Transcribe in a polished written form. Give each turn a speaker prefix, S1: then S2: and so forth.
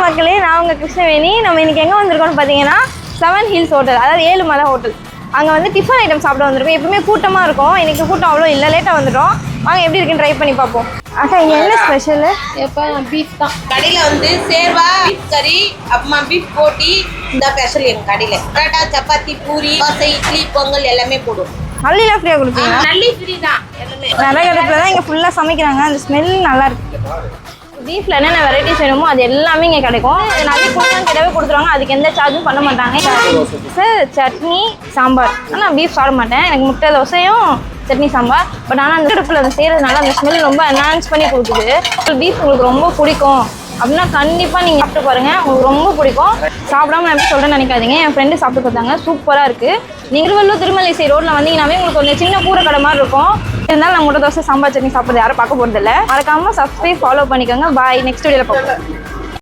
S1: மக்களே, நான் உங்கள் கிருஷ்ணவேணி. நம்ம இன்றைக்கி எங்கே வந்திருக்கோம்னு பார்த்தீங்கன்னா 7 ஹில்ஸ் ஹோட்டல், அதாவது 7 மலை ஹோட்டல். அங்கே வந்து டிஃபன் ஐட்டம் சாப்பிட வந்திருக்கோம். எப்பவுமே கூட்டமாக இருக்கும், இன்றைக்கி கூட்டம் அவ்வளோ இல்லை, லேட்டாக வந்துட்டோம். வாங்க எப்படி இருக்குன்னு ட்ரை பண்ணி பார்ப்போம். அக்கா இங்கே என்ன ஸ்பெஷலு?
S2: எப்போ பீஃப் தான் கடையில் வந்து சேர்வா பீஃப் கறி, அப்புறமா பீஃப் போட்டி இந்த ஸ்பெஷல் எங்கள் கடையில். பரோட்டா, சப்பாத்தி, பூரி, தோசை, இட்லி, பொங்கல் எல்லாமே போடுவோம்.
S1: நல்லிலாம் ஃப்ரீயாக கொடுப்பீங்க?
S2: நல்லி ஃப்ரீ தான் எல்லாமே.
S1: நிறைய இடத்துல தான் இங்கே ஃபுல்லாக சமைக்கிறாங்க. அந்த ஸ்மெல் நல்லா இருக்கு. பீஃபில் என்னென்ன வெரைட்டிஸ் வேணுமோ அது எல்லாமே இங்கே கிடைக்கும். அது நிறைய கொடுத்தாங்க கிட்டவே கொடுத்துருவாங்க. அதுக்கு எந்த சார்ஜும் பண்ண மாட்டாங்க. சார் சட்னி சாம்பார். ஆனால் பீஃப் சாப்பிட மாட்டேன். எனக்கு முட்டை தோசையும் சட்னி சாம்பார். பட் ஆனால் அந்த அடுப்பில் அதை செய்கிறதுனால அந்த ஸ்மெல் ரொம்ப என்ஹான்ஸ் பண்ணி கொடுக்குது. பீஃப் உங்களுக்கு ரொம்ப பிடிக்கும் அப்படின்னா கண்டிப்பாக நீங்கள் சாப்பிட்டு பாருங்கள், உங்களுக்கு ரொம்ப பிடிக்கும். சாப்பிடாம நான் எப்படி சொல்கிறேன்னு நினைக்காதீங்க. என் ஃப்ரெண்டு சாப்பிட்டு பார்த்தாங்க, சூப்பராக இருக்குது. நீங்கள் திருவள்ளூர் திருமலைசை ரோட்டில் வந்தீங்கன்னாவே உங்களுக்கு ஒரு சின்ன கூரை கடை மாதிரி இருக்கும். இருந்தாலும் நான் முட்டை தோசை சாம்பார் சட்னி சாப்பிட்றது யாரும் பார்க்க போகிறதில்ல. மறக்காமல் சப்ஸ்கிரைப் ஃபாலோ பண்ணிக்கோங்க. பாய், நெக்ஸ்ட் வீடியோவில் பார்ப்போம்.